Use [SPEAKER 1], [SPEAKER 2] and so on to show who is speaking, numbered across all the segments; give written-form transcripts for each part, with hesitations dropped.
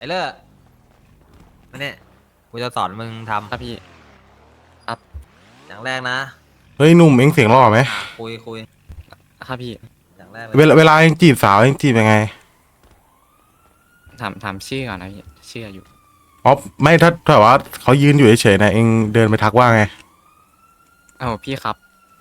[SPEAKER 1] ไอ้เลิศมาเนี่ยกูจะสอนมึงท
[SPEAKER 2] ครับพี่ครับ
[SPEAKER 1] ำอย่างแรกนะ
[SPEAKER 3] เฮ้ยหนุ่มเอ็งเสียงหล่อไหม
[SPEAKER 1] คุย
[SPEAKER 2] ครับพี่
[SPEAKER 1] อย่างแรกเลย
[SPEAKER 3] เวลาเอ็งจีบสาวเอ็งจีบยังไง
[SPEAKER 2] ถามชื่อก่อนนะพี่ชื่ออยู่
[SPEAKER 3] อ๋อไม่ถ้าแบบว่าเขายืนอยู่เฉยๆนะเอ็งเดินไปทักว่าไง
[SPEAKER 2] เอ้าพี่ครับ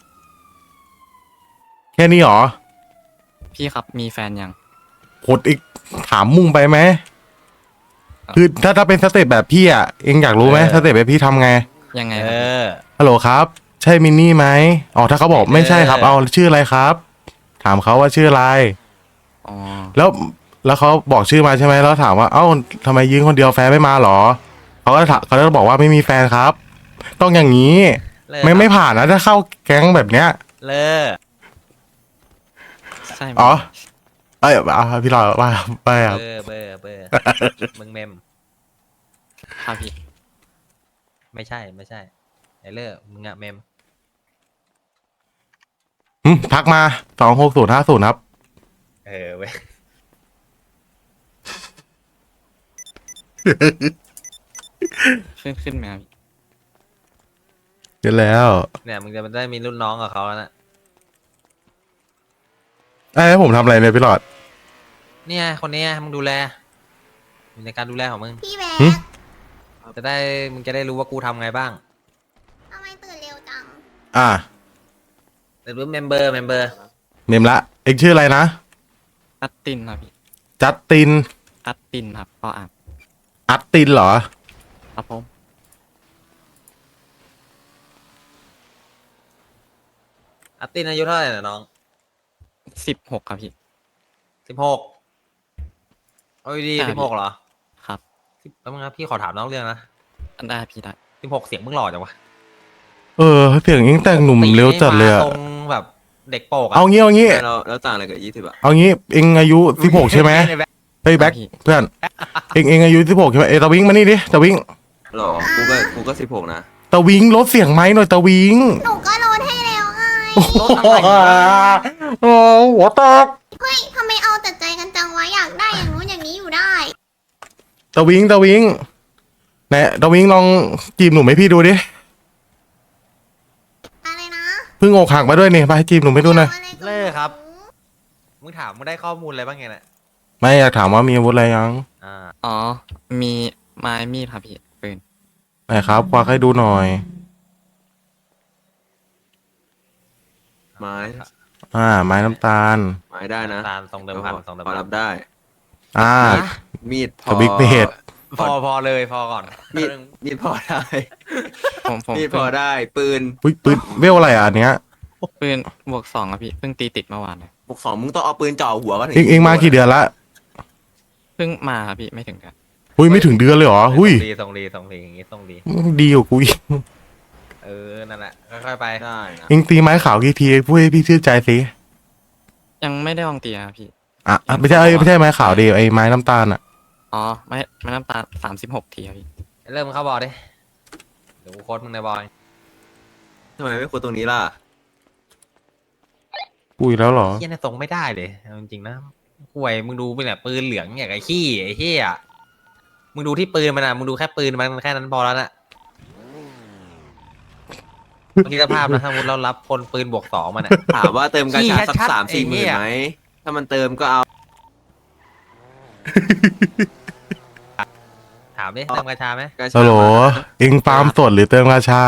[SPEAKER 3] แค่นี้หรอ
[SPEAKER 2] พี่ครับมีแฟนยัง
[SPEAKER 3] โหดอีกถามมุ่งไปไหมคือถ้าเป็นสเต็ปแบบพี่อ่ะเอ็งอยากรู้ไหมสเต็ปแบบพี่ทำไง
[SPEAKER 2] ยังไง
[SPEAKER 1] เอ
[SPEAKER 2] ครับพี่
[SPEAKER 1] อ
[SPEAKER 3] ฮัลโหลครับใช่มินนี่ไหมอ๋อถ้าเขาบอกไม่ใช่ครับเอาชื่ออะไรครับ ถามเขาว่าชื่ออะไร
[SPEAKER 2] อ๋อ
[SPEAKER 3] แล้วเขาบอกชื่อมาใช่ไหมแล้วถามว่าเอ้าทำไมยืนคนเดียวแฟนไม่มาหรอเขาก็บอกว่าไม่มีแฟนครับต้องอย่างนี้
[SPEAKER 1] เลิศ
[SPEAKER 3] ไม่ผ่านนะถ้าเข้าแก๊งแบบเนี้ย
[SPEAKER 1] เลิศ
[SPEAKER 2] ใช่ไหม
[SPEAKER 3] อ๋อเอ้ยเอาพี่รอว่าไปครับ
[SPEAKER 1] เบอร์มึงเมม
[SPEAKER 2] ครับพี่
[SPEAKER 1] ไม่ใช่ไอ้เลิศมึงอะเมม
[SPEAKER 3] ทักมา26050ครับ
[SPEAKER 1] เออเว้ย
[SPEAKER 2] ขึ้นไหมครับพี่
[SPEAKER 3] เดี๋ยวแล้ว
[SPEAKER 1] เนี่ยมึงจะได้มีรุ่นน้องกับเขาแล้วนะ
[SPEAKER 3] ให้ผมทำอะไรเนี่ยพี่หลอด
[SPEAKER 1] เนี่ยคนนี้มึงดูแลอยู่ในการดูแลของมึง
[SPEAKER 4] พี่แบ
[SPEAKER 3] หึ
[SPEAKER 4] ก
[SPEAKER 1] มึงจะได้รู้ว่ากูทำไงบ้าง
[SPEAKER 4] ทำไมตื่นเร็วจัง
[SPEAKER 3] อ่า
[SPEAKER 1] แต่รู้เมมเบอร์
[SPEAKER 3] เนมละเอ็กชื่ออะไรนะ
[SPEAKER 2] อัตตินครับพี่
[SPEAKER 3] จัสติน
[SPEAKER 2] อัตตินครับก็อ่าน
[SPEAKER 3] อัตตินเหรอ
[SPEAKER 2] ครับผม
[SPEAKER 1] อัตตินอายุเท่าไหร่น่ะน้อง
[SPEAKER 2] 16ครับพี่
[SPEAKER 1] 16โอ้ยดี
[SPEAKER 2] ใช่
[SPEAKER 1] 16เหรอ
[SPEAKER 2] ครับ
[SPEAKER 1] แล้วมึงครับพี่ขอถามน้องเรื่องนะ
[SPEAKER 2] ได้พี่ได้
[SPEAKER 1] 16เสียงมึงหล่อจังวะ
[SPEAKER 3] เสียงเอ็งแต่งหนุ่มเร็วจัดเลยอะ
[SPEAKER 1] ตรงแบบเด็กโปกอะ
[SPEAKER 3] เอางี้
[SPEAKER 5] แล้วต่างอะไรกับ20อ่ะ
[SPEAKER 3] เอางี้เอ็งอายุ16ใช่ไหมเฮ้ยแบ็คเพื่อนเอ็งอายุ16ใช่ไหมตะวิงมานี่ดิตะวิง
[SPEAKER 5] หรอกูก็16นะ
[SPEAKER 3] ตะวิงลดเสียงไหมหน่อยตะวิง
[SPEAKER 4] หนูก็โหลดให้แล้วไง
[SPEAKER 1] รถอะไรวะ
[SPEAKER 3] โอ้หัวตก
[SPEAKER 4] เฮ้ยทำไมเอาแต่ใจกันจังวะอยากได้อย่างนู้นอย่างนี้อยู่ได้
[SPEAKER 3] ตะวิงไหนตะวิงลองจีบหนุ่มให้พี่ดูดิ
[SPEAKER 4] อะไรนะ
[SPEAKER 3] เพิ่งอกหักมาด้วยนี่ไปจีบหนุ่มให้ดูหน่อย
[SPEAKER 4] อาอะไรกับ
[SPEAKER 1] เลิกครับ
[SPEAKER 4] หนู
[SPEAKER 1] มึงถามมึงได้ข้อมูลอะไรบ้างไงเนี่ย
[SPEAKER 3] ไม่อยากถามว่ามีอาวุธอะไรยัง
[SPEAKER 1] อ่า
[SPEAKER 2] อ๋อมีไม้มีดครับพี่ปืน
[SPEAKER 3] ไหนครับควักให้ดูหน่อย
[SPEAKER 5] ไม้
[SPEAKER 3] ไม้น้ำตาล
[SPEAKER 5] ไม้ได้นะ
[SPEAKER 1] ตามตรงเดิมพันตรงเดิม
[SPEAKER 5] พอ
[SPEAKER 1] พัน
[SPEAKER 5] รับได้
[SPEAKER 3] อ่า
[SPEAKER 5] มีดพ
[SPEAKER 3] ส
[SPEAKER 5] อ
[SPEAKER 3] บิ๊กเบด
[SPEAKER 1] พอเลยพอก่อน
[SPEAKER 5] มีดพอได้
[SPEAKER 2] ผม
[SPEAKER 5] มีดพอได้ปืน
[SPEAKER 3] อุ้ยปืนเวลอะไรอ่ะอันเนี้ย
[SPEAKER 2] ปืนบวก 2ครับพี่เพิ่งตีติดเมื่อวานเลย
[SPEAKER 5] บวก2มึงต้องเอาปืนจ่อหัวก็ถึง
[SPEAKER 3] เอ็งมากี่เดือนละ
[SPEAKER 2] เพิ่งมาครับพี่ไม่ถึงกัน
[SPEAKER 3] อุ้ยไม่ถึงเดือนเลยเหรอหุ้ย
[SPEAKER 1] ส่งดีอย่างงี้ส่งดี
[SPEAKER 3] ดีกว่ากูอีก
[SPEAKER 1] นั่นแหละค่อยๆไป
[SPEAKER 5] ได้นะ
[SPEAKER 3] เอ็งตีไม้ขาวกี่ทีพูดให้พี่ชื่นใจสิ
[SPEAKER 2] ยังไม่ได้ลองตีครับพี่
[SPEAKER 3] ไม่ใช่ไม้ขาวดิไอ้ไม้น้ำตาลอ่ะ
[SPEAKER 2] อ๋อไม่น้ำตา36 ทีครับพี่
[SPEAKER 1] เริ่มมึงเข้าบอลดิเดี๋ยวกูโค้ดมึงในบอล
[SPEAKER 5] ทำไมไม่คุยตรงนี้ล่ะ
[SPEAKER 3] อุ้ยแล้วเหรอ
[SPEAKER 1] เฮียเนี่ยส่งไม่ได้เลยเอาจริงๆนะห่วยมึงดูไปเนี่ยปืนเหลืองอย่างไอ้ขี้ไอ้เฮียมึงดูที่ปืนมันอ่ะมึงดูแค่ปืนมันแค่นั้นพอแล้วน่ะคิดสภาพนะถ้ามุดเรารับคนปืนบวก2มันอ่ะ
[SPEAKER 5] ถามว่าเติมกาชาสัก
[SPEAKER 1] ชัดๆ
[SPEAKER 5] 3-4 หมื่น
[SPEAKER 1] ไอ้เหี้ย
[SPEAKER 5] ไหมถ้ามันเติมก็เอา
[SPEAKER 1] ถามดิเติมกระชาไหม
[SPEAKER 5] กาชา
[SPEAKER 3] ฮัลโหล
[SPEAKER 5] มา
[SPEAKER 3] เอ็งฟาร์มสดหรือเติมราชา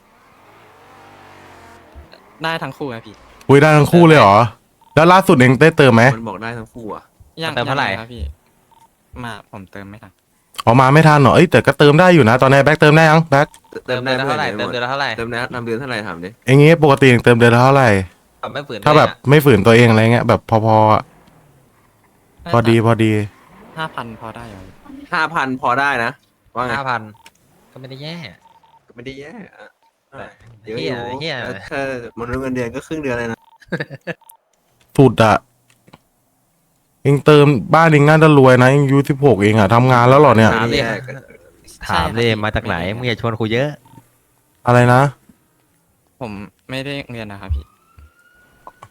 [SPEAKER 2] ได้ทั้งคู่ครับพี่
[SPEAKER 3] อุ้ยได้ทั้งคู่เลยเหรอแล้วล่าสุดเอ็งได้เติมไหม
[SPEAKER 5] มันบอกได้ทั้งคู่อ่ะ
[SPEAKER 2] ยัง
[SPEAKER 1] เติมเท่าไหร่
[SPEAKER 2] ยังครับพี่มาผมเติมไม่ทัน
[SPEAKER 3] ออกมาไม่ทันเหรอเอ้ยแต่ก็เติมได้อยู่นะตอนนี้แบ็คเติมได้ยังแบ็ค
[SPEAKER 1] เติมเดือนละเท่าไหร่เติมเดือนละเท่าไหร่
[SPEAKER 5] เติมนำเดือนเท่าไหร่ถามดิ
[SPEAKER 3] เอ็งงี้ปกติเอ็งเติมเดือนละเท่าไหร่
[SPEAKER 1] แบบไม่ฝืน
[SPEAKER 3] ถ้าแบบไม่ฝืนตัวเองอะไรเงี้ยแบบพอๆอะพอดี
[SPEAKER 2] 5,000พอได้อยู่พี่
[SPEAKER 5] 5,000พอได้นะว่าไง
[SPEAKER 1] 5,000ก็ไม่ได้แย่
[SPEAKER 5] ก็ไม่ได้แย่อะ
[SPEAKER 1] แต่
[SPEAKER 5] เดี๋ยวอยู่
[SPEAKER 1] เหี้ย
[SPEAKER 5] ถ้ามนุษย์เงินเดือนก็ครึ่งเดือนเลยนะ
[SPEAKER 3] สุดอะเอ็งเติมบ้านเอ็งน่าจะรวยนะเอ็งอายุ16เองอะทำงานแล้วเหรอเนี่ย
[SPEAKER 1] ถามดิ
[SPEAKER 5] แย่ก็
[SPEAKER 1] ถามดิมาจากไหนมึงอย่าชวนคุยเยอะ
[SPEAKER 3] อะไรนะ
[SPEAKER 2] ผมไม่ได้เรียนนะครับพี่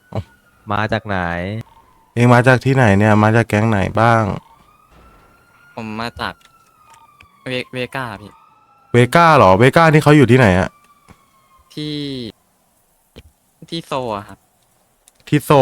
[SPEAKER 1] มาจากไหน
[SPEAKER 3] เอ็งมาจากที่ไหนเนี่ยมาจากแก๊งไหนบ้าง
[SPEAKER 2] ผมมาจากเวก้าพี่
[SPEAKER 3] เวก้าเหรอเวก้านี่เขาอยู่ที่ไหนอะ
[SPEAKER 2] ที่โซอะครับ
[SPEAKER 3] ที่โซ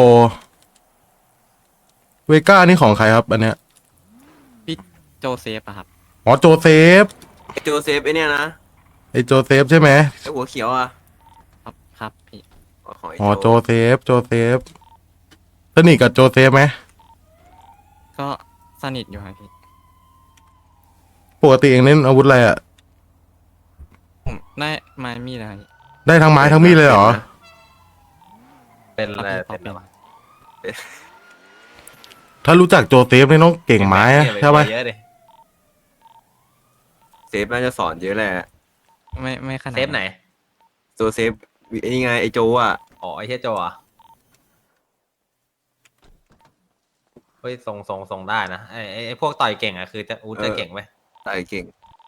[SPEAKER 3] เวก้านี่ของใครครับอันเนี้ย
[SPEAKER 2] พี่โจเซฟอะครับ
[SPEAKER 3] อ๋อโจเซฟ
[SPEAKER 5] ไอโจเซฟไอเนี่ยนะ
[SPEAKER 3] ไอโจเซฟใช่ไหม
[SPEAKER 5] ไอหัวเขียวอ่ะ
[SPEAKER 2] ครับพี่
[SPEAKER 5] ของไอ
[SPEAKER 3] อ๋อโจ
[SPEAKER 5] โจ
[SPEAKER 3] เซฟสนิทกับโจเซฟไหม
[SPEAKER 2] ก็สนิทอยู่ครับพี่
[SPEAKER 3] ปกติเองเล่นอาวุธอะไรอะ
[SPEAKER 2] ผมได้ไม้มีดนะครับพี่
[SPEAKER 3] ได้ทั้งไม้ทั้งมีดเลยเหรอ
[SPEAKER 1] เป็นอะไร
[SPEAKER 2] พอ
[SPEAKER 1] เป็นอะไรวะ
[SPEAKER 3] ถ้ารู้จักโจเซฟนี่ต้องเก่งไม้อะใช่ไหม
[SPEAKER 1] เยอะดิ
[SPEAKER 5] เซฟน่าจะสอนเยอะแหละ
[SPEAKER 2] ไม่ขนาด
[SPEAKER 1] เซฟไหน
[SPEAKER 5] โจเซฟไอ้นี่ไงไอโจอ่ะ
[SPEAKER 1] อ๋อไอ้เชี่ยโจอ่ะเฮ้ยส่งได้นะไอ้พวกต่อยเก่งอ่ะคือจะอูจะเก่งไหม
[SPEAKER 5] ตายเก่ง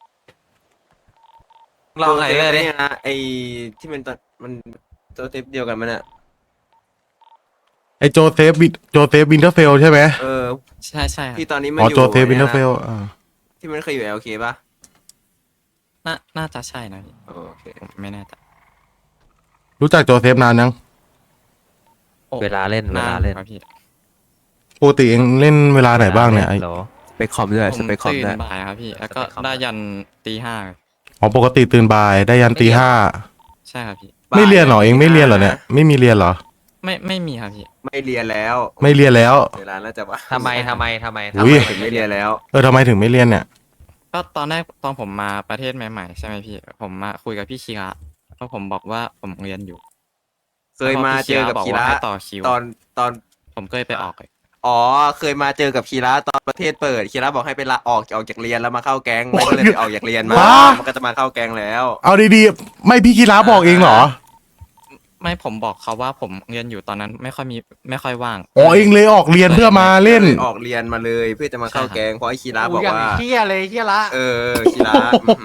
[SPEAKER 1] ลองไหนเลย
[SPEAKER 5] โจซฟ
[SPEAKER 1] ดิ
[SPEAKER 5] เนี่ยนะไอที่มันตอนมันโจเซฟเดียวกันมันอ่ะ
[SPEAKER 3] ไอโจเซฟวินเทอร์เฟลใช่ไหม
[SPEAKER 2] ใช่ครับ
[SPEAKER 5] ที่ตอนนี้มัน
[SPEAKER 3] อ๋อ
[SPEAKER 5] อยู่
[SPEAKER 3] โจเซฟวินเทอร์เฟล
[SPEAKER 5] ที่มันเคยอยู่ LK ป่ะ
[SPEAKER 2] น่าจะใช่นะพี่
[SPEAKER 5] โอเค
[SPEAKER 2] ผมไม่แน่ใจ
[SPEAKER 3] รู้จักโจเซฟนานยัง
[SPEAKER 2] โอ้
[SPEAKER 1] เวลาเล่น
[SPEAKER 2] นานครับพี่
[SPEAKER 3] ปกติเองเล่นเวลาไหนบ้างเนี่ยไอ้
[SPEAKER 1] เหรอ
[SPEAKER 5] สเปคคอมด้วย
[SPEAKER 2] ผ
[SPEAKER 5] ส
[SPEAKER 2] ม
[SPEAKER 5] เปคคอม
[SPEAKER 2] ตื่น
[SPEAKER 5] ด้วย
[SPEAKER 2] บ่ายครับพี่ แล้วก็
[SPEAKER 1] สเปคคอม
[SPEAKER 2] ได้ยันตีห้า
[SPEAKER 3] อ๋อปกติตื่นบ่ายได้ยันตีห้า
[SPEAKER 2] ใช่ครับพี่
[SPEAKER 3] ไม่เรียนเหรอเองไม่เรียนเหรอเนี่ยไม่มีเรียนเหรอ
[SPEAKER 2] ไม่มีครับพี่
[SPEAKER 5] ไม่เรียนแล้ว
[SPEAKER 3] ไม่เรียนแล้ว
[SPEAKER 5] เวลาน่าจะว่า
[SPEAKER 1] ทำไม
[SPEAKER 3] อุ๊ย
[SPEAKER 5] ถึงไม่เรียนแล้ว
[SPEAKER 3] ทำไมถึงไม่เรียนเนี่ย
[SPEAKER 2] ก็ตอนแรกตอนผมมาประเทศใหม่ๆใช่ไหมพี่ ผมมาคุยกับพี่คีระแล้วผมบอกว่าผมเรียนอยู่
[SPEAKER 5] เคยมาเจอกับ
[SPEAKER 2] แล้ว
[SPEAKER 5] คี
[SPEAKER 2] พี่
[SPEAKER 5] ระ
[SPEAKER 2] ระบอกว่าให้ต่อคิว
[SPEAKER 5] ตอน
[SPEAKER 2] ผมก็เลยไปออกเลย
[SPEAKER 5] อ๋อเคยมาเจอกับคีระตอนประเทศเปิดคีระบอกให้ไปลาออกจากเรียนแล้วมาเข้าแก๊งไม่ก็เลยไปออกจากเรียนมา
[SPEAKER 3] ว้า
[SPEAKER 5] มันก็จะมาเข้าแก๊งแล้ว
[SPEAKER 3] เอาดีๆไม่พี่คีราบอกเองเหรอ
[SPEAKER 2] ไม่ผมบอกเขาว่าผมเรียนอยู่ตอนนั้นไม่ค่อยว่าง
[SPEAKER 3] อ๋อเองเลยออกเรียนเพื่อมาเล่น
[SPEAKER 5] ออกเรียนมาเลยเพื่อจะมาเข้าแก๊งเพราะไอ้คีระบอกว่า
[SPEAKER 1] เชี่ยเลยเชี่ยละ
[SPEAKER 5] คีระ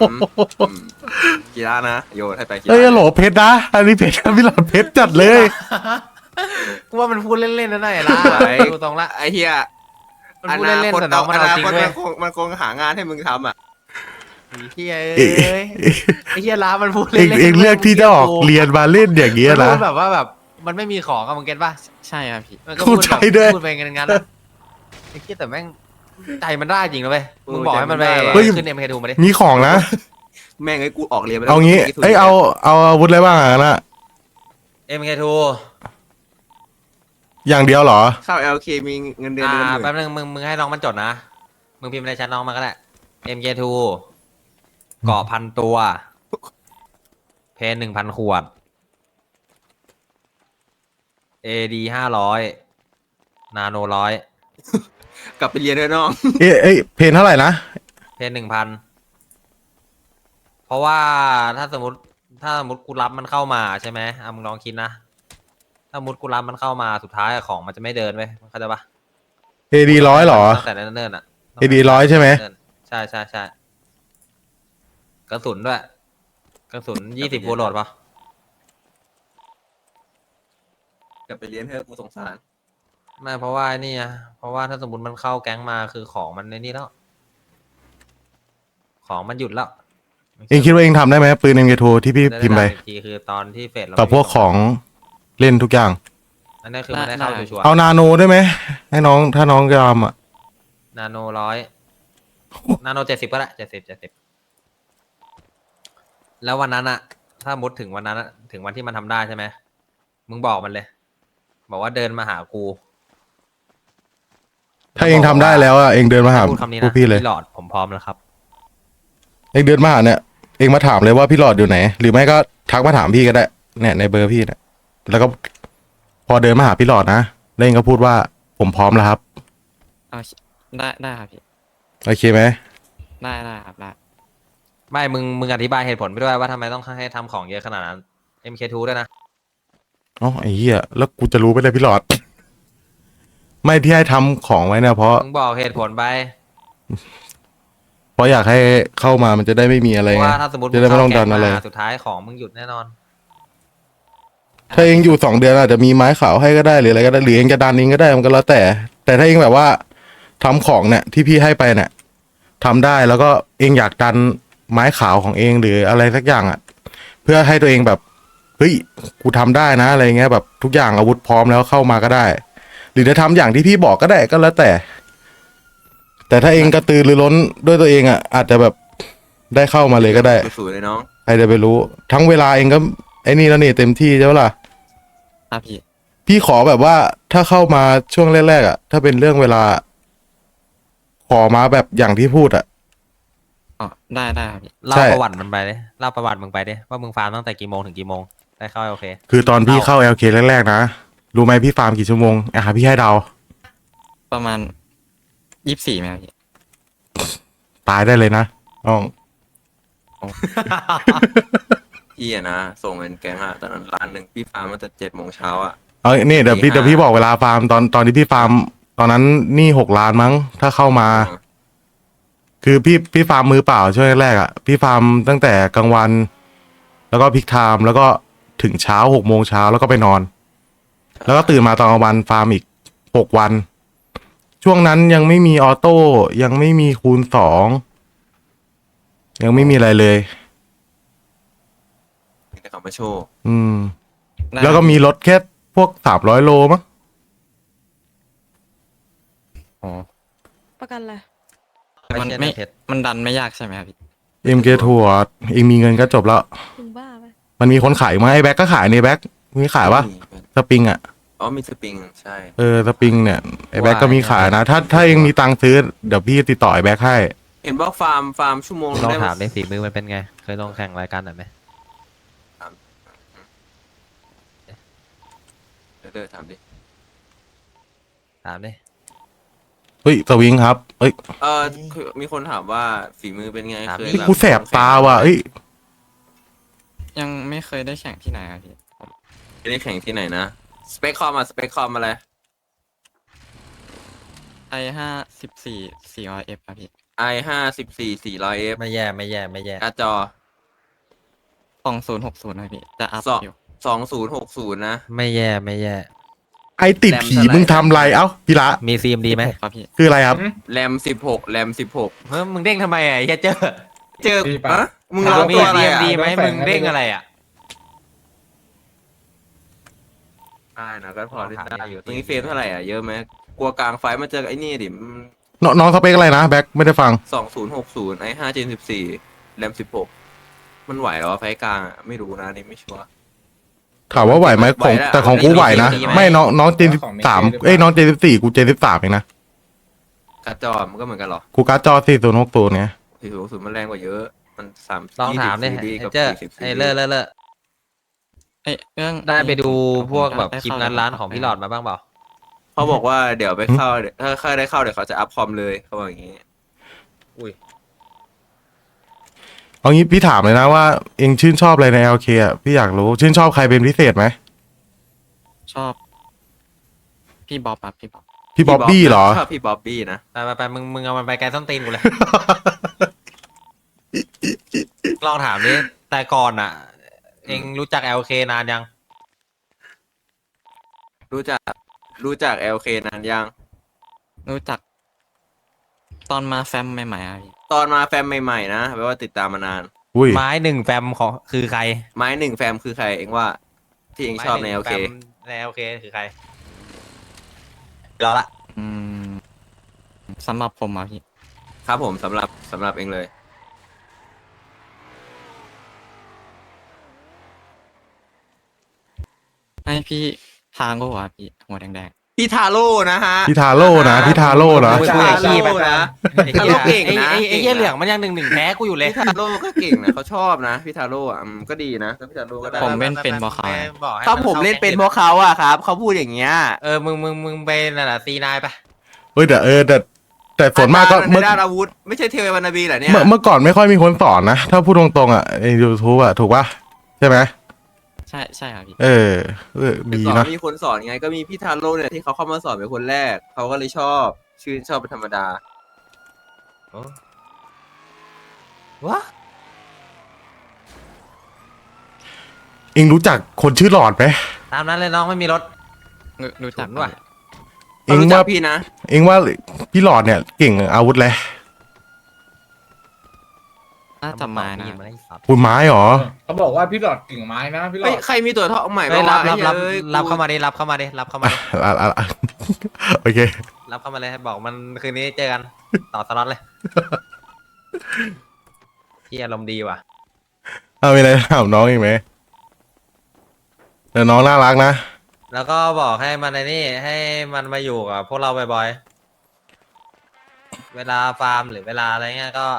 [SPEAKER 5] คีระนะโยนให้ไปคีระ
[SPEAKER 3] เอ้ยโหลเพชรนะอันนี้เพชรนะพี่หลอดเพชรจัดเลย
[SPEAKER 1] กูว่ามันพูดเล่นๆนะหน่อยละดูตรงละ
[SPEAKER 5] ไอ้เฮีย
[SPEAKER 1] มันพูดเล่นๆแต่น้องมันเอาจริงเว้ย
[SPEAKER 5] มันคงหางานให้มึงทำอ่ะ
[SPEAKER 1] ไอ้เชี่ยเอ้ยไอ้เชี่ยละมันพูด
[SPEAKER 3] เอง
[SPEAKER 1] เล่นๆ
[SPEAKER 3] เองเลือกที่จะออกเรียนมาเล่นอย่างเงี้ย
[SPEAKER 1] มัน
[SPEAKER 3] นะ
[SPEAKER 1] พูดแบบว่าแบบมันไม่มีของอะมึงเก็ตป่ะ
[SPEAKER 2] ใช่ครับพี่
[SPEAKER 1] มันก็พูด
[SPEAKER 3] เข้า
[SPEAKER 1] แบบ
[SPEAKER 3] ใจด้วย
[SPEAKER 1] พูดไปงั้นๆอะไอ้เชี่ยแต่แม่งใจมันได้จริงนะเว้ยมึงบอกให้มันไป
[SPEAKER 3] เฮ้ย
[SPEAKER 1] ขึ้น MK2 มาดิ
[SPEAKER 3] มีของนะ
[SPEAKER 5] แม่งไอ้กูออกเรียนไปแล้ว
[SPEAKER 3] เอางี้
[SPEAKER 5] กู
[SPEAKER 3] เอ้ยเอาอาวุธอะไรบ้างอะนะ
[SPEAKER 1] MK2
[SPEAKER 3] อย่างเดียวเหรอ
[SPEAKER 5] เข้า LK มีเงินเดือนเดือนละหมื่น
[SPEAKER 1] แป๊บนึงมึงให้น้องมันจดนะมึงพิมพ์ในแชทน้องมาก็ได้ MK2 เกาะพันตัว เพน1,000 ขวด AD 500 นาโน100
[SPEAKER 5] กลับไปเรียนด้วยน้อง
[SPEAKER 3] เอ้ยเพนเท่าไหร่นะ
[SPEAKER 1] เพน1,000 เพราะว่าถ้าสมมติกูรับมันเข้ามาใช่ไหมมึงลองคิดนะ ถ้าสมมติกูรับมันเข้ามาสุดท้ายของมันจะไม่เดินเว้ยเข้าใจปะ
[SPEAKER 3] AD 100เหรอ
[SPEAKER 1] ตั้งแต่เนิ่นๆอ่ะ
[SPEAKER 3] AD 100ใช่ไหม
[SPEAKER 1] ใช่กระสุนด้วยกระสุน20บูโหลดปะ
[SPEAKER 5] กลับไปเรียนเถอะกูสงสาร
[SPEAKER 1] ไม่เพราะว่านี่ไงเพราะว่าถ้าสมมติมันเข้าแก๊งมาคือของมันในนี่แล้ว ของมันหยุดแล้ว
[SPEAKER 3] เองคิดว่าเองทำได้ไหมปืน MK2 ที่พี่พิมพ์ไป
[SPEAKER 1] ด้อีกทีคือตอนที่เฟสเรา
[SPEAKER 3] กับพวกของเล่นทุกอย่าง
[SPEAKER 1] อันนี้คือมันได้เข้าชัวร์
[SPEAKER 3] เอานาโนได้ไหมให้น้องถ้าน้องจะทำอ่ะ
[SPEAKER 1] นาโน100นาโน70ก็ได้70แล้ววันนั้นอะถ้ามุดถึงวันนั้นอะถึงวันที่มันทำได้ใช่ไหมมึงบอกมันเลย บอกว่าเดินมาหากู
[SPEAKER 3] ถ้าเองทำได้แล้วอ่ะเองเดินมาหา
[SPEAKER 1] พูดคำนี้
[SPEAKER 3] พว
[SPEAKER 1] นะ
[SPEAKER 3] กพี่เลย
[SPEAKER 1] หลอดผมพร้อมแล้วครับ
[SPEAKER 3] เองเดินมาหาเนี่ยเองมาถามเลยว่าพี่หลอดอยู่ไหน หรือไม่ก็ทักมาถามพี่ก็ได้เนี่ยในเบอร์พี่เนี่ยแล้วก็พอเดินมาหาพี่หลอดนะแล้วเองก็พูดว่าผมพร้อมแล้วครับ
[SPEAKER 2] เอาได้ครับพี่
[SPEAKER 3] โอเคไหม
[SPEAKER 2] ได้ครับได้
[SPEAKER 1] ไม่มึงอธิบายเหตุผลไปด้วยว่าทำไมต้องให้ทำของเยอะขนาดนั้น MK2 ด้วยนะ
[SPEAKER 3] อ๋อไอ้เหี้ยแล้วกูจะรู้ไปเลยพี่หลอด ไม่ที่ให้ทำของไว้เนี่ยเพราะ
[SPEAKER 1] มึงบอกเหตุผลไป
[SPEAKER 3] เพราะอยากให้เข้ามามันจะได้ไม่มีอะไร
[SPEAKER 1] เพราะ
[SPEAKER 3] ไง
[SPEAKER 1] ว่าถ้าสมมติ
[SPEAKER 3] จะได้ไม่ต้องดัน
[SPEAKER 1] เข้า
[SPEAKER 3] อะไร
[SPEAKER 1] แก๊งมาสุดท้ายของมึงหยุดแน่นอน
[SPEAKER 3] ถ้าเองอยู่2 เดือนอาจจะมีไม้ขาวให้ก็ได้หรืออะไรก็ได้หรือเองจะดันเองก็ได้มันก็แล้วแต่ถ้าเองแบบว่าทำของเนี่ยที่พี่ให้ไปเนี่ยทำได้แล้วก็เองอยากดันไม้ขาวของเองหรืออะไรสักอย่างอ่ะ เพื่อให้ตัวเองแบบเฮ้ยกูทำได้นะอะไรเงี้ยแบบทุกอย่างอาวุธพร้อมแล้วเข้ามาก็ได้ หรือจะทำอย่างที่พี่บอกก็ได้ก็แล้วแต่ แต่ถ้าเองกระตือรือร้นด้วยตัวเองอ่ะอาจจะแบบได้เข้ามาเลยก็ได้
[SPEAKER 5] สูเลยน้อง
[SPEAKER 3] ใครจะไปรู้ ทั้งเวลาเองก็ไอ้นี่แล้วนี่เต็มที่ใช่ไหมล่ะ
[SPEAKER 2] ครับพี่
[SPEAKER 3] พี่ขอแบบว่าถ้าเข้ามาช่วงแรกๆอ่ะถ้าเป็นเรื่องเวลา ขอมาแบบอย่างที่พูดอ่ะ
[SPEAKER 2] อ๋อได้ครับพี่
[SPEAKER 1] เล่า
[SPEAKER 3] ใช่
[SPEAKER 1] ประวัติมันไปดิเล่าประวัติมึงไปดิว่ามึงฟาร์มตั้งแต่กี่โมงถึงกี่โมงได้เข้าโอเค
[SPEAKER 3] คือตอนพี่เข้า LK แรกๆนะรู้ไหมพี่ฟาร์มกี่ชั่วโมงพี่ให้เดา
[SPEAKER 2] ประมาณ24ไหมครับพี่
[SPEAKER 3] ตายได้เลยนะน้อง
[SPEAKER 5] พี่อะนะส่งเงินแกงอะตอนนั้นล้านหนึ่งพี่ฟาร์มมาแต่7 โมงเช้าอะ
[SPEAKER 3] เอานี่เดี๋ยวพี่
[SPEAKER 5] ตี
[SPEAKER 3] เดี๋ยว
[SPEAKER 5] ห้า
[SPEAKER 3] พี่บอกเวลาฟาร์มตอนที่พี่ฟาร์มตอนนั้นหนี่6 ล้านมั้ง ถ้าเข้ามา คือพี่ฟาร์มมือเปล่าช่วงแรกๆอ่ะพี่ฟาร์มตั้งแต่กลางวัน แล้วก็พิกไทม์แล้วก็ถึงเช้า6 โมงเช้าแล้วก็ไปนอน แล้วก็ตื่นมาตอนกลางวันฟาร์มอีก6 วัน ช่วงนั้นยังไม่มีออโต้ยังไม่มีคูณ2ยังไม่มีอะไรเลย
[SPEAKER 5] แต่เขามาโชว์
[SPEAKER 3] อืม
[SPEAKER 2] ได้
[SPEAKER 3] แล้วก็มีรถแค่พวก300 โลมั้ง
[SPEAKER 2] อ๋อ
[SPEAKER 6] ประกันอะไร
[SPEAKER 2] มัน
[SPEAKER 1] ไม่
[SPEAKER 2] ไม่
[SPEAKER 1] ใช่เพชร
[SPEAKER 2] มันดันไม่ยากใช่ไหมครับพี่
[SPEAKER 3] MK ทัวร์เองมีเงินก็จบแล้ว
[SPEAKER 6] มึงบ้าปะ
[SPEAKER 3] มันมีคนขายไหมไอ้แบ็กก็ขายนี่แบ็กมีขายปะสปริงอ่ะ
[SPEAKER 5] อ๋อมีสปริงใช่
[SPEAKER 3] สปริงเนี่ยไอ้แบ็กก็มีขายนะ ถ้าเองมีตังค์ซื้อเดี๋ยวพี่ติดต่อไอ้แบ็กให้
[SPEAKER 5] เห็นบอกฟาร์มชั่วโมง
[SPEAKER 1] ลอง
[SPEAKER 5] ได้
[SPEAKER 1] ถามดิฝีมือมันเป็นไง เคยลงแข่งรายการไหนไหม
[SPEAKER 5] เดินถามดิ
[SPEAKER 1] ถามดิ
[SPEAKER 3] เฮ้ยสวิงครับเอ้ย
[SPEAKER 5] คือมีคนถามว่าฝีมือเป็นไงเคย
[SPEAKER 3] กูแสบตาว่ะเอ้ย
[SPEAKER 2] ยังไม่เคยได้แข่งที่ไหนครับพี่
[SPEAKER 5] ไม่ได้แข่งที่ไหนนะสเปคคอมอะไร
[SPEAKER 2] i54 400F ครับพี่
[SPEAKER 5] i54 400F
[SPEAKER 1] ไม่แย่ไม่แย่ไม่แย่
[SPEAKER 5] การ์ดจอ
[SPEAKER 2] 2060ครับพี่จะอัพ
[SPEAKER 5] สอง
[SPEAKER 2] อยู่
[SPEAKER 5] 2060นะ
[SPEAKER 1] ไม่แย่ไม่แย่
[SPEAKER 3] ไอติดผีมึงทำไรเอ้าพี่ละ
[SPEAKER 1] มี CMD ไหม
[SPEAKER 2] ครับพี่
[SPEAKER 3] คืออะไรครับ
[SPEAKER 5] แรม16
[SPEAKER 1] เฮ้ยมึงเด้งทำไมอ่ะไอ้เหี้ยเจอ
[SPEAKER 5] เจอ
[SPEAKER 7] พี่ปะ
[SPEAKER 5] อะมึงร้อง
[SPEAKER 1] มี
[SPEAKER 5] ตัวอะไรอะ
[SPEAKER 1] CMD ไหม
[SPEAKER 7] โดนแฝง
[SPEAKER 1] มึงเด้งอะไรอ่ะ
[SPEAKER 5] ได้นะก็พอได้อยู่ตรงนี้เฟรมเท่าไหร่อ่ะเยอะไหมกลัวกลางไฟมาเจอไอ้นี่ดิ
[SPEAKER 3] น้องสเปคอะไรนะแบ็กไม่ได้ฟัง
[SPEAKER 5] 2060 i5 Gen 14แรม16มันไหวเหรอวะไฟกลางอ่ะไม่รู้นะนี่ไม่ชัวร์
[SPEAKER 3] ถามว่าไหวไหมของ
[SPEAKER 5] ไหวแล้ว
[SPEAKER 3] แต่ของกูไหวนะ
[SPEAKER 1] ดีไหม
[SPEAKER 3] ไม่น้องเจน
[SPEAKER 7] ของ
[SPEAKER 3] 13
[SPEAKER 7] Mate
[SPEAKER 3] น้องเจน14กูเจน13เองนะ
[SPEAKER 5] การ์ดจอมันก็เหมือนกันเหรอ
[SPEAKER 3] กูการ์ดจอ4060ไง
[SPEAKER 5] 4060มันแรงกว่าเยอะมัน3
[SPEAKER 1] ลองถามดิ
[SPEAKER 5] ซีรีส์
[SPEAKER 1] ไอ้
[SPEAKER 5] กับ
[SPEAKER 1] เจอ
[SPEAKER 5] 40
[SPEAKER 1] ไอ้เลอะเลอะเลอะ
[SPEAKER 2] เอ้ยเรื่อง
[SPEAKER 1] ได้ไปดูพวกแบบ
[SPEAKER 2] ได้
[SPEAKER 1] คลิป
[SPEAKER 2] เข้
[SPEAKER 1] งานร้านของพี่หลอดมาบ้างเปล่า
[SPEAKER 5] เขาบอกว่าเดี๋ยวไปเข้าถ้าเข้าได้เข้าเดี๋ยวเขาจะอัพคอมเลยเขาบอกอย่างงี้
[SPEAKER 3] เอางี้พี่ถามเลยนะว่าเองชื่นชอบอะไรใน LK อ่ะพี่อยากรู้ชื่นชอบใครเป็นพิเศษไหม
[SPEAKER 2] ชอบ พี่บ๊อบครับพี่บ๊อบ
[SPEAKER 3] พี่บ๊อบบี้เหรอ
[SPEAKER 5] ชอบพี่บ๊อบบี้นะ
[SPEAKER 1] ไปมึงเอามันไปไกลส้นตีนกูเลย ลองถามดิแต่ก่อนอ่ะ เองรู้จัก LK นานยัง
[SPEAKER 5] รู้จัก LK นานยัง
[SPEAKER 2] รู้จัก ตอนมาแฟมใหม่ๆครับพี่
[SPEAKER 5] ตอนมาแฟมใหม่ๆนะแปลว่าติดตามมานาน
[SPEAKER 3] อุ้ย
[SPEAKER 1] ไม้หนึ่งแฟมของคือใคร
[SPEAKER 5] ไม้หนึ่งแฟมคือใครเองว่า ที่เองชอบใน
[SPEAKER 1] ไม้ห
[SPEAKER 5] LK
[SPEAKER 1] งแฟมใน LK คือใครรอละ
[SPEAKER 2] อืมสำหรับผมอ่ะพี่
[SPEAKER 5] ครับผมสำหรับเองเลย
[SPEAKER 2] ให้พี่ทางก็ว่าพี่หัวแดง
[SPEAKER 5] พี่ทาโร่นะฮะ
[SPEAKER 3] พี่ทาโร่นะพี่ทาโร่นะ
[SPEAKER 1] มึงคุยกับขี้ไป
[SPEAKER 5] นะ
[SPEAKER 1] ไอ้เหี้ย
[SPEAKER 5] ทาโร่เก่งนะ
[SPEAKER 1] ไอ้เหี้ยเหลืองมันยัง1-1แพ้กูอยู่เลย
[SPEAKER 5] พี่ทาโร่ก็เก่งนะเขาชอบนะพี่ทาโร่อ่ะก็ดีนะพี่ทาโร่ก็ได้
[SPEAKER 2] ผมเป็นบอคา
[SPEAKER 1] บอกให้
[SPEAKER 5] ถ้าผมเล่นเป็นเพราะเขาอะครับเขาพูดอย่างเงี้ย
[SPEAKER 1] มึงไปนั่นแหละซีนายไป
[SPEAKER 3] เฮ้ยแต่ส่วนมากก็
[SPEAKER 5] ใน
[SPEAKER 3] เมื่อ
[SPEAKER 5] ด้านอาวุธไม่ใช่เทววานาบีเหรอเนี่ย
[SPEAKER 3] เมื่อก่อนไม่ค่อยมีคนสอนนะ ถ้าพูดตรงๆอ่ะใน YouTube อ่ะถูกป่ะใช่ไหม
[SPEAKER 2] ใช่ครับพี่
[SPEAKER 3] ดี
[SPEAKER 5] สอน
[SPEAKER 3] นะ
[SPEAKER 5] มีคนสอนไงก็มีพี่ทาโร่เนี่ยที่เขาเข้ามาสอนเป็นคนแรกเขาก็เลยชอบชื่นชอบเป็นธรรมดา
[SPEAKER 1] วะ
[SPEAKER 3] เองรู้จักคนชื่อหลอดไหม
[SPEAKER 1] ตามนั้นเลยน้องไม่มีรถ
[SPEAKER 2] รู้จัก
[SPEAKER 1] ฉุนว่ะ
[SPEAKER 3] เอง
[SPEAKER 5] รู้จั
[SPEAKER 3] ว่าก
[SPEAKER 5] พี่นะ
[SPEAKER 3] เองว่าพี่หลอดเนี่ยเก่งอาวุธเลย
[SPEAKER 2] น่าจะมานะ
[SPEAKER 1] ยินมาไอ้สัตว์
[SPEAKER 3] คุณไม้เหรอ
[SPEAKER 7] เขาบอกว่าพี่หลอดกิ่งไม้นะพี่หลอ
[SPEAKER 5] เฮ้ย
[SPEAKER 7] ด
[SPEAKER 5] ใครมีตัวทองใหม่
[SPEAKER 1] เฮ้ย
[SPEAKER 5] บ้าง
[SPEAKER 1] รับ
[SPEAKER 5] วะ
[SPEAKER 1] รับ
[SPEAKER 5] ไอ้
[SPEAKER 1] รับ
[SPEAKER 5] เหี้ย
[SPEAKER 1] รับเข้ามาดิรับเข้ามาดิรับเข้ามาดิ
[SPEAKER 3] โอเค
[SPEAKER 1] รับเข้ามาเลยบอกมันคืนนี้เจอกันต่อสล็อตเลยที่อารมณ์ดีว่ะ
[SPEAKER 3] เอามีอะไรถามน้องอีกไหมแต่น้องน่ารักนะ
[SPEAKER 1] แล้วก็บอกให้มันในนี่ให้มันมาอยู่กับพวกเราบ่อยๆ เวลาฟาร์มหรือเวลาอะไรเงี้ยก็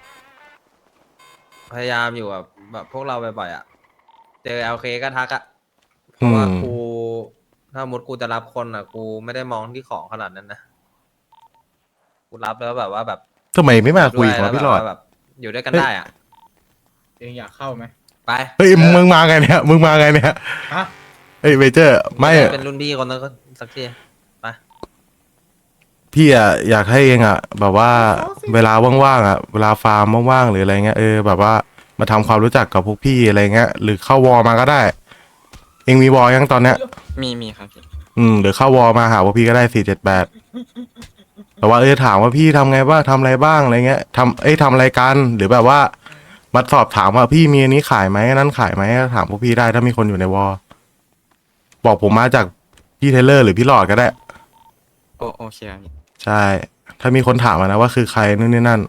[SPEAKER 1] พยายามอยู่กับแบบพวกเราบ่อยๆอ่ะ เจอ LK ก็ทักอ่ะเพราะว่า
[SPEAKER 3] อืม
[SPEAKER 1] กูถ้ามุดกูจะรับคนอ่ะ กูไม่ได้มองที่ของขนาดนั้นนะ กูรับแล้วแบบว่าแบบ
[SPEAKER 3] ทำไมไม่มาคุย
[SPEAKER 1] ด้
[SPEAKER 3] กับ
[SPEAKER 1] ว
[SPEAKER 3] พี่หลอด
[SPEAKER 1] แบบ อยู่ด้วยกันได้อ่ะ
[SPEAKER 7] เองอยากเข้าไหม
[SPEAKER 1] ไป
[SPEAKER 3] เฮ้ยมึงมาไงเนี่ยมึงมาไงเนี่ย
[SPEAKER 7] ฮะ
[SPEAKER 3] เฮ้ยเวเจอร์ไม่
[SPEAKER 1] เป็นรุ่นพี่คนนั้นก็สักทีไป
[SPEAKER 3] พี่อะอยากให้เองอะแบบว่าเวลาว่างๆอะเวลาฟาร์มว่างๆหรืออะไรเงี้ยแบบว่ามาทำความรู้จักกับพวกพี่อะไรเงี้ยหรือเข้าวอลมาก็ได้ เองมีวอลยังตอนเนี้ย
[SPEAKER 2] มีครับพี่
[SPEAKER 3] หรือเข้าวอลมาหาพวกพี่ก็ได้478แต่ว่าถามว่าพี่ทำไงบ้างทำอะไรบ้างอะไรเงี้ยทำอะไรกันหรือแบบว่ามาสอบถามว่าพี่มีอันนี้ขายไหมอันนั้นขายไหมถามพวกพี่ได้ถ้ามีคนอยู่ในวอลบอกผมมาจากพี่เทเลอร์หรือพี่หลอดก็ได้
[SPEAKER 2] โอเคครับพี่
[SPEAKER 3] ใช่ ถ้ามีคนถามมานะว่าคือใครนู่นนี่นั่น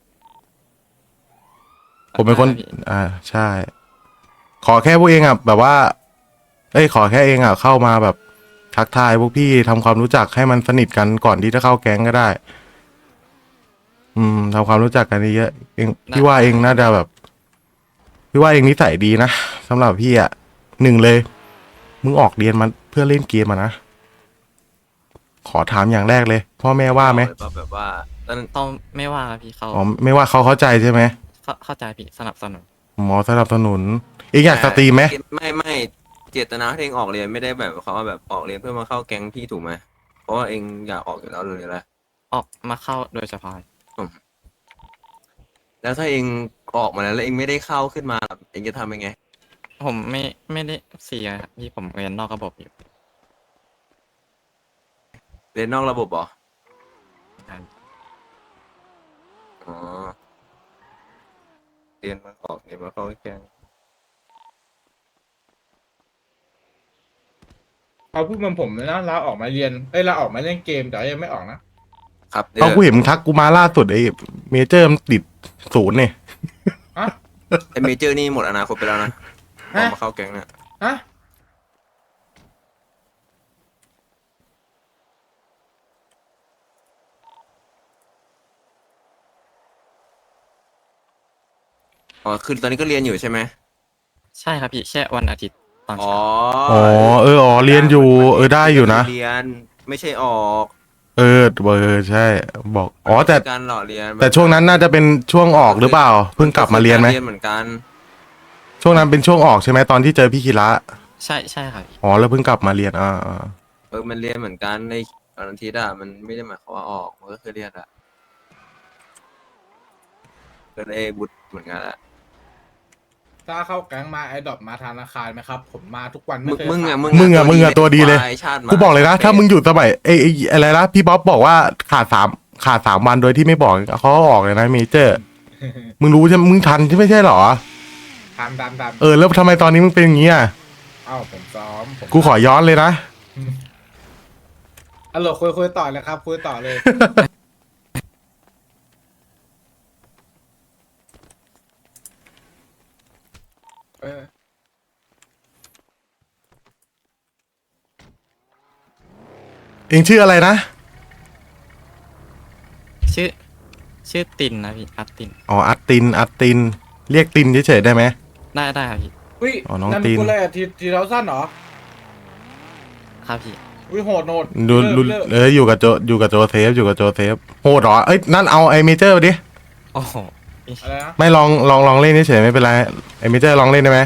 [SPEAKER 3] ผมเป็นคน
[SPEAKER 2] ได้พี่
[SPEAKER 3] ใช่ ขอแค่พวกเองอ่ะแบบว่า ขอแค่เองอ่ะเข้ามาแบบทักทายพวกพี่ทำความรู้จักให้มันสนิทกันก่อนที่จะเข้าแก๊งก็ได้ ทำความรู้จักกันเยอะๆเองพี่ว่าเองน่าจะแบบ พี่ว่าเองนิสัยดีนะสำหรับพี่อ่ะหนึ่งเลย มึงออกเรียนมาเพื่อเล่นเกมมานะ ขอถามอย่างแรกเลย พ่อแม่ว่าไหม
[SPEAKER 5] แบบว่าตอน
[SPEAKER 2] ต้องไม่ว่าครับพี่เขา
[SPEAKER 3] อ๋อไม่ว่าเขาเข้าใจใช่ไหม
[SPEAKER 2] เข้าใจพี่สนับสนุน
[SPEAKER 3] หมอสนับสนุนเองอยากสตรีมไหม
[SPEAKER 5] ไม่เจตนาที่เองออกเรียนไม่ได้แบบเขาว่าแบบออกเรียนเพื่อมาเข้าแก๊งพี่ถูกไหมเพราะว่าเองอยากออกอยู่แล้วเลยแหละ
[SPEAKER 2] ออกมาเข้าโดยเฉพาะ
[SPEAKER 5] แล้วถ้าเองออกมาแล้วเองไม่ได้เข้าขึ้นมาเองจะทำยังไง
[SPEAKER 2] ผมไม่ได้เสียครับพี่ผมเรียนนอกระบบอยู่
[SPEAKER 5] เรียนนอกระบบเหรออ๋อเรียนมาออกเรียนมาเข้าแก๊ง
[SPEAKER 7] เขาพูดเหมันผมเลยนะลาออกมาเรียนลาออกมาเล่นเกมแต่ยังไม่ออกนะครับ
[SPEAKER 3] เอากูเห็นมึงทักกูมาล่าสุดเมเจอร์มันติด0เนี่ย
[SPEAKER 7] ฮะ
[SPEAKER 5] ไอเมเจอร์นี่หมดอนาคตไปแล้วนะออกมาเข้าแก๊งเนี่ย
[SPEAKER 7] ฮะ
[SPEAKER 5] อ๋อคือตอนนี้ก็เรียนอยู่ใช่ไหม
[SPEAKER 2] ใช่ครับพี่แค่วันอาทิตย์ตอน
[SPEAKER 5] อ๋อ
[SPEAKER 2] เช้า
[SPEAKER 3] อ๋อเรียนอยู่ได้อยู่นะ
[SPEAKER 5] เรียนไม่ใช่ออก
[SPEAKER 3] ใช่ บอกแต่
[SPEAKER 5] การหล่อเรียน
[SPEAKER 3] แต่ช่วงนั้นน่าจะเป็นช่วงออกหรือเปล่า เพิ่งกลับมาเรียนไหม
[SPEAKER 5] เรียนเหมือนกัน
[SPEAKER 3] ช่วงนั้นเป็นช่วงออกใช่ไหมตอนที่เจอพี่คีระ
[SPEAKER 2] ใช่ครับพี่
[SPEAKER 3] แล้วเพิ่งกลับมาเรียน
[SPEAKER 5] มันเรียนเหมือนกันในวันอาทิตย์อะมันไม่ได้หมายความว่าออกมันก็คือเรียนอะก็ได้บุตรเหมือนกันแหละ
[SPEAKER 7] ถ้าเข้าแก๊งมาไอ้ดอกมาธนาคารไหมครับ ผมมาทุกวัน
[SPEAKER 5] มึ
[SPEAKER 7] ไม่
[SPEAKER 5] ง
[SPEAKER 7] เคย
[SPEAKER 5] มึง
[SPEAKER 7] ขา
[SPEAKER 5] อะ
[SPEAKER 7] ด
[SPEAKER 3] มึงอะตัวดีเลย
[SPEAKER 5] ควาชาติหมา
[SPEAKER 3] กูบอกเลยนะถ้ามึงอยู่สมัยอะไรนะพี่บ๊อบบอกว่าขาด3 วันโดยที่ไม่บอกเขาก็ออกเลยนะเมเจอร์ มึงรู้ใช่ไหมมึงทันใช่ไม่ใช่เหรอ
[SPEAKER 7] ทัน
[SPEAKER 3] แล้วทำไมตอนนี้มึงเป็นอย่างนี้อ่ะ
[SPEAKER 7] เอ้าผมซ้อมผม
[SPEAKER 3] กูขอย้อนเลยนะ
[SPEAKER 7] คุยต่อเลยครับคุยต่อเลย
[SPEAKER 3] เองชื่ออะไรนะ
[SPEAKER 2] ชื่อตินนะพี่อัตติน
[SPEAKER 3] อัตติน เรียกตินเฉยๆได้ไหม
[SPEAKER 2] ได้ครับพี่
[SPEAKER 7] อุ้ย
[SPEAKER 3] น้อง
[SPEAKER 7] นั่น
[SPEAKER 3] ตีน
[SPEAKER 7] กูเลยทีเราสั้นเหรอ
[SPEAKER 2] ครับพี่
[SPEAKER 7] อุ้ยโหด
[SPEAKER 3] ดู
[SPEAKER 7] เลิก
[SPEAKER 3] อยู่กับโจเซฟโหดเหรอนั่นเอาไอเมเจอร์ไปดิ
[SPEAKER 2] โอ้โหพี่
[SPEAKER 7] อะไรนะ
[SPEAKER 3] ไม่ลองเล่นเฉยๆไม่เป็นไรไอเมเจอร์ลองเล่นได้ไหม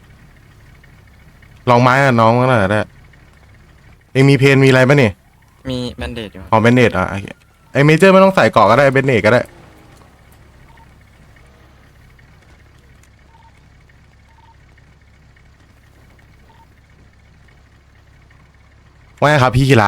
[SPEAKER 3] ลองไม้กับน้องก็ได้เองมีเพนมีอะไรปะนี่
[SPEAKER 2] มีแบนเดดอยู่ครับ
[SPEAKER 3] อ๋อเบนเนตโอเคไอเมเจอร์ไม่ต้องใส่เกาะก็ได้เบนเนตก็ได้ว่าไงครับพี่คิระ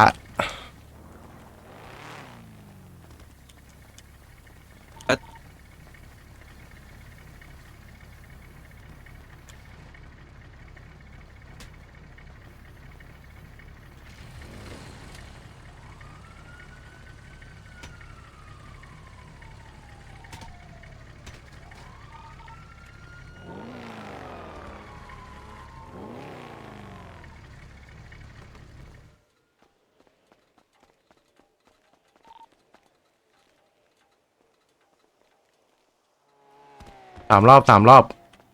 [SPEAKER 3] 3 รอบ 3 รอบ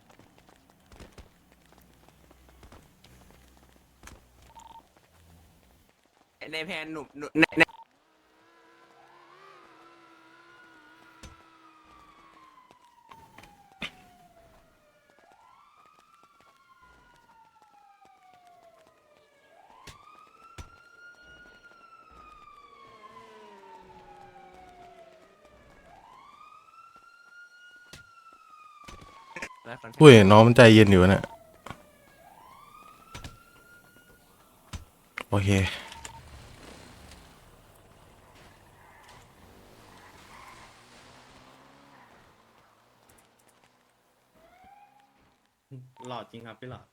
[SPEAKER 5] ในแพนหนุ่มใน
[SPEAKER 3] อุ้ยน้องมันใจเย็นอยู่นะโอเค
[SPEAKER 8] หล่อจริงครับพี่หล่อ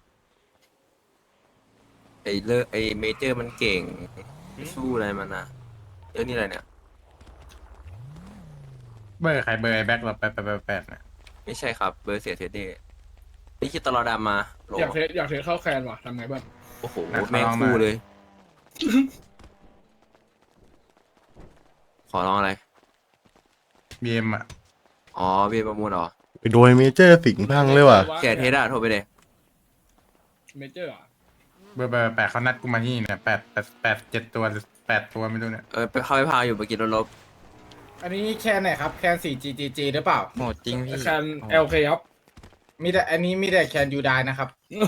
[SPEAKER 5] ไอเมเจอร์มันเก่งสู้อะไรมันนะเรื่องนี้อะไรเนี่ย
[SPEAKER 7] เบอร์ใครเบอร์ไอ้แบ็คเราแปดนะ
[SPEAKER 5] ไม่ใช่ครับเบอร์เสียเทเดนี่คิดตลอดดำมาโหล
[SPEAKER 7] อยากเทสเข้าแคนว่ะทำไงบ้าง
[SPEAKER 5] โอ้โหแม่งคู่เลย ขอร้องอะไร
[SPEAKER 7] บีเอ็มอ่ะ
[SPEAKER 5] อ๋อเบียร์ประมูลเหรอ
[SPEAKER 3] ไปโดยเมเจอร์สิงห์พังเลยว่ะ
[SPEAKER 5] แกเทสอะโทรไปเลย
[SPEAKER 7] เมเจอร์เบอร์แปดเขานัดกูมาที่เนี่ยแปด7 ตัว8 ตัวไม่รู้เนี่ย
[SPEAKER 5] ไปเข้าไปพาอยู่เมื่อกี้รถลบ
[SPEAKER 7] อันนี้แคนไหนครับแคน 4GGG หรือเปล่า
[SPEAKER 2] โหดจริงพี่
[SPEAKER 7] แคน LK ครับมีแต่อันนี้มีแต่แคนยูไดนะครับ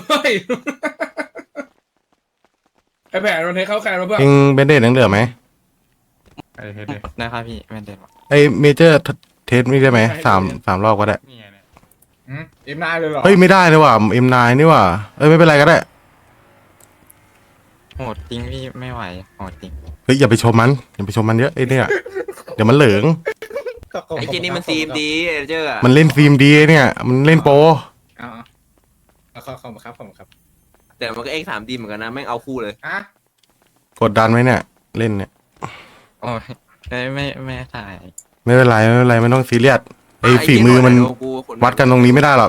[SPEAKER 7] ไอแผนมันเทสเข้าแคนมาเพื่อน
[SPEAKER 3] เองเบนเดตยังเหลือไหม
[SPEAKER 7] ไอเทส
[SPEAKER 2] หมดนะครับพี่ไม่เด็ดหรอก
[SPEAKER 3] ไอเมเจอร์เทสไม่ได้ไหม3 รอบก็ได้
[SPEAKER 7] นี่ไงเนี่ยเอ็มนายเลยเหรอ
[SPEAKER 3] เฮ้ยไม่ได้เลยว่ะ M9 นี่ว่ะเอ้ยไม่เป็นไรก็ได้
[SPEAKER 2] โหดจริงพี่ไม่ไหวโหดจริง
[SPEAKER 3] เฮ้ยอย่าไปชมมันอย่าไปชมมันเยอะไอ้เนี่ยเดี๋ยวมันเหลือง
[SPEAKER 5] ไอ้เจนี่มันซีมดีเอเจอร์อะ
[SPEAKER 3] มันเล่นฟิล์มดีเนี่ยมันเล่นโปร
[SPEAKER 7] ขอบคุณครับ
[SPEAKER 5] แต่มันก็เอ็ก3Dเหมือนกันนะแม่งเอาคู่เลย
[SPEAKER 7] อ่ะ
[SPEAKER 3] กดดันไหมเนี่ย เล่นเนี่ย
[SPEAKER 2] โอ้ยไม่ถ่าย
[SPEAKER 3] ไม่เป็นไรไม่เป็นไรไม่ต้องซีเรียสไอ้ฝีมือมันวัดกันตรงนี้ไม่ได้หรอก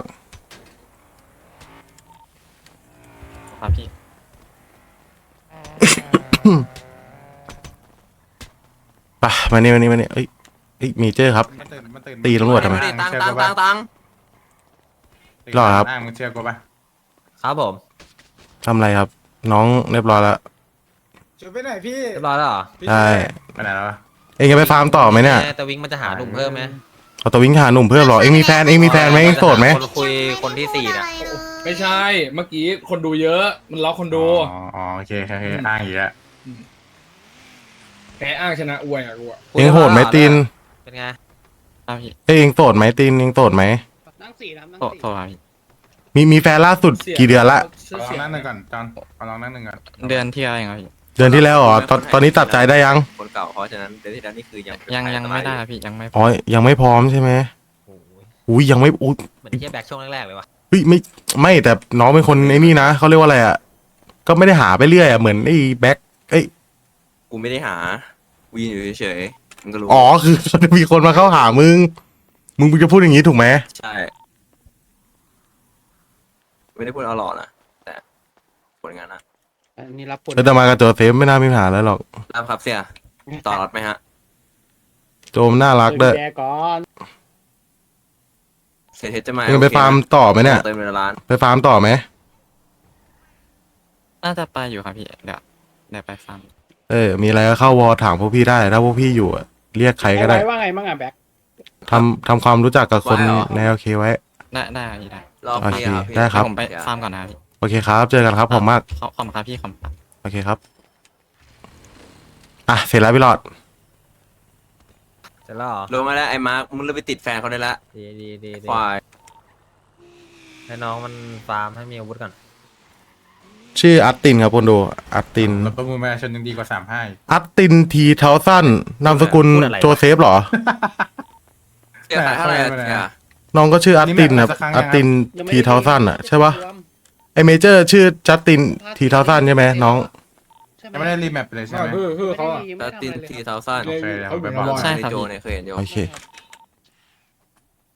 [SPEAKER 2] ครับพี่
[SPEAKER 3] ไปมานี่เอ้ยเมเจอร์ครับ ตีตำรวจทำไม
[SPEAKER 5] ตัง
[SPEAKER 3] หรอครับ
[SPEAKER 7] มึงเชื่อกูปะ
[SPEAKER 1] ครับผม
[SPEAKER 3] ทำอะไรครับ น้องเรียบร้อยแล้ว
[SPEAKER 7] ช่วยไปไหนพี่
[SPEAKER 1] เรียบร้อยแล้วเหรอ
[SPEAKER 3] ใช่
[SPEAKER 7] ไปไหนแล้ว
[SPEAKER 3] เองจะไปฟาร์มต่อไหมเนี่ย
[SPEAKER 1] แต่วิงมันจะหาหนุ่มเพิ่มไหม
[SPEAKER 3] เอาตัววิ่งหาหนุ่มเพิ่มเหรอเองมีแฟนเองมีแฟนไหมเองโสดไหม
[SPEAKER 1] คนคุยคนที่4น่ะ
[SPEAKER 9] ไม่ใช่ เมื่อกี้คนดูเยอะ มันล็อกคนดู
[SPEAKER 7] อ๋อโอเคอ้างอีกแล้ว
[SPEAKER 9] แพ้อ้างชนะอวยอ่ะกูอ่ะ
[SPEAKER 3] เองโหดไหมตีน
[SPEAKER 1] เป็นไง
[SPEAKER 2] ครับพี่
[SPEAKER 3] เองโสดไหมตีนเองโสดไหม
[SPEAKER 6] นั่งสี่ครับนั่ง
[SPEAKER 2] โต
[SPEAKER 6] สี่
[SPEAKER 2] โตครับพี่
[SPEAKER 3] มีแฟนล่าสุดกี่เดือนละ
[SPEAKER 7] ขอลองนั่งหนึ่งก่อนจอนขอลองนั่งหนึ่งก่อน
[SPEAKER 2] เดือนที่แล้วเองครับพี่
[SPEAKER 3] เดือนที่แล้วเหรอตอนนี้ตัดใจได้ยัง
[SPEAKER 5] คนเก่าเพราะฉะนั้นเดือนที่แล้วนี่คือยัง
[SPEAKER 2] ยังไม่ได้ครับพี่ยังไม่
[SPEAKER 3] อ๋อยังไม่พร้อมใช่ไหม
[SPEAKER 1] โอ้ย
[SPEAKER 3] อุ้ยยังไม่อุ้ย
[SPEAKER 1] เหมือนที่แบ็คช่วงแรกๆเลยวะ
[SPEAKER 3] เฮ้ยไม่แต่น้องเป็นคนไอ้นี่นะเขาเรียกว่าอะไรอ่ะก็ไม่ได้หาไปเรื่อยอ่ะเหมือนไอ้แบ็คเอ้ย
[SPEAKER 5] กูไม่ได้หาวีนอยู่เฉยๆมึงก็รู้
[SPEAKER 3] อ๋อคือจะมีคนมาเข้าหามึงจะพูดอย่างนี้ถูกไหม
[SPEAKER 5] ใช่ไม่ได้พูดเอาหล่อนะแต่ผลงานนะ
[SPEAKER 6] อันนี้รับผล
[SPEAKER 3] แล้วแต่มากับโจเซฟไม่น่ามีปัญหาแล้วหรอก
[SPEAKER 5] รับครับเสียต่อรถไหมฮะ
[SPEAKER 3] โจมน่ารักด้วย
[SPEAKER 6] แกก่อน
[SPEAKER 5] เสียเทสจะมา
[SPEAKER 3] มึงไปฟาร์มต่อไหมเนี่ย
[SPEAKER 5] เติมเงินร้าน
[SPEAKER 3] ไปฟาร์มต่อไหม
[SPEAKER 2] น่าจะไปอยู่ครับพี่เดี๋ยวไปฟาร์ม
[SPEAKER 3] มีอะไรก็เข้าวอถามพวกพี่ได้ถ้าพวกพี่อยู่อะเรียกใครก็ได้
[SPEAKER 6] ว่าไงบ้างอ่ะแบ็ค
[SPEAKER 3] ทำความรู้จักกับคนในโอเคไว้
[SPEAKER 2] ได้พี่ได้
[SPEAKER 5] รอบนี้ครับ
[SPEAKER 3] โอเคได้ครับ
[SPEAKER 2] ผมไปฟาร์มก่อนนะครับพี่
[SPEAKER 3] โอเคครับ เจอกันครับผมมาก
[SPEAKER 2] ขอบคุณครับพี่ขอบคุณครับ
[SPEAKER 3] โอเคครับอ่ะเสร็จแล้วพี่หลอด
[SPEAKER 1] เสร็จแล้วเหรอ
[SPEAKER 5] ลงมาแล้วไอ้มาร์คมึงเลิกไปติดแฟนเขาได้ละ
[SPEAKER 1] ดี
[SPEAKER 5] ควาย
[SPEAKER 1] ให้น้องมันฟาร์มให้มีอาวุธก่อน
[SPEAKER 3] ชื่ออัตตินครับคนดูอัตติน
[SPEAKER 7] รถประมูลประชาชนยังดีกว่า35
[SPEAKER 3] อัตตินทีเทาสั้นนามสกุลโจเซฟเหรอ
[SPEAKER 5] เสียขายเท่าไหร่อะเสีย
[SPEAKER 3] น้องก็ชื่ออัตตินครับอัตตินทีเทาสั้นอ่ะใช่ปะไอเมเจอร์ชื่อจัสตินทีเทาสั้นใช่ไหมน้อง
[SPEAKER 7] ยังไม่ได้รีแมปเลยใช่ไหม
[SPEAKER 9] คือเขาอ่ะ
[SPEAKER 5] แล้วตินทีเทาซัน
[SPEAKER 7] โอเคเดี๋ยวผมไปบอก
[SPEAKER 2] ใช่ครับ
[SPEAKER 5] โจ
[SPEAKER 2] พี่
[SPEAKER 5] เนี่ยเคยเห็นโย
[SPEAKER 3] โอเค